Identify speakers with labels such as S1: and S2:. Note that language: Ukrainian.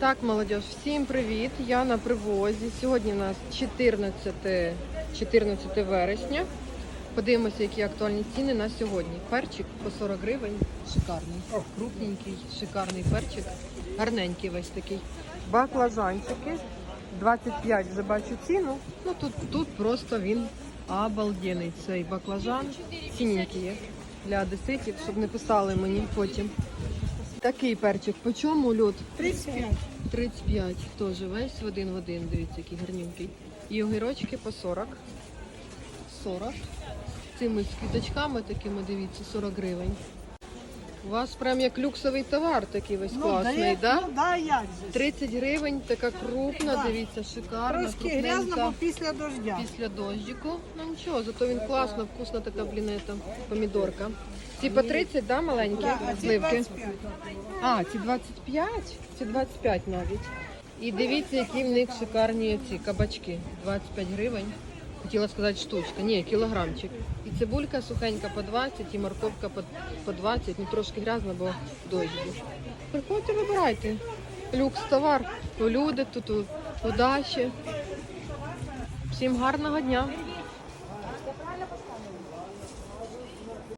S1: Так, молодіж, всім привіт! Я на привозі. Сьогодні у нас 14 вересня. Подивимося, які актуальні ціни на сьогодні. Перчик по 40 гривень. Шикарний. Крупненький, шикарний перчик. Гарненький весь такий. Баклажанчики. 25 вже бачу ціну. Ну тут просто він обалденний. Цей баклажан. Цінненький є для одеситів, щоб не писали мені потім. Такий перчик. По чому льот?
S2: 35.
S1: 35. Теж весь в один. Дивіться, який гарненький. І огірочки по 40. 40. Цими з квіточками такими, дивіться, 40 гривень. У вас прям як люксовий товар такий весь класний, да?
S2: Ну, да, як же.
S1: 30 гривень, така крупна,
S2: Да.
S1: дивіться, шикарна,
S2: Трошки грязно, бо
S1: крупненька.
S2: після дождя.
S1: Після дощику. Ну нічого, зато він класно, вкусна така блінета, помідорка. Ці по 30, да, маленькі
S2: Да, а ці
S1: сливки?
S2: 25.
S1: А, ці 25? Ці 25 навіть. І дивіться, які в них шикарні ці кабачки. 25 гривень. Хотіла сказати штучка. Ні, кілограмчик. І цибулька сухенька по 20, і морковка по 20. Ну трошки грязно, бо дощ був. Приходьте, вибирайте. Люкс товар. У люди тут, у Даші. Всім гарного дня.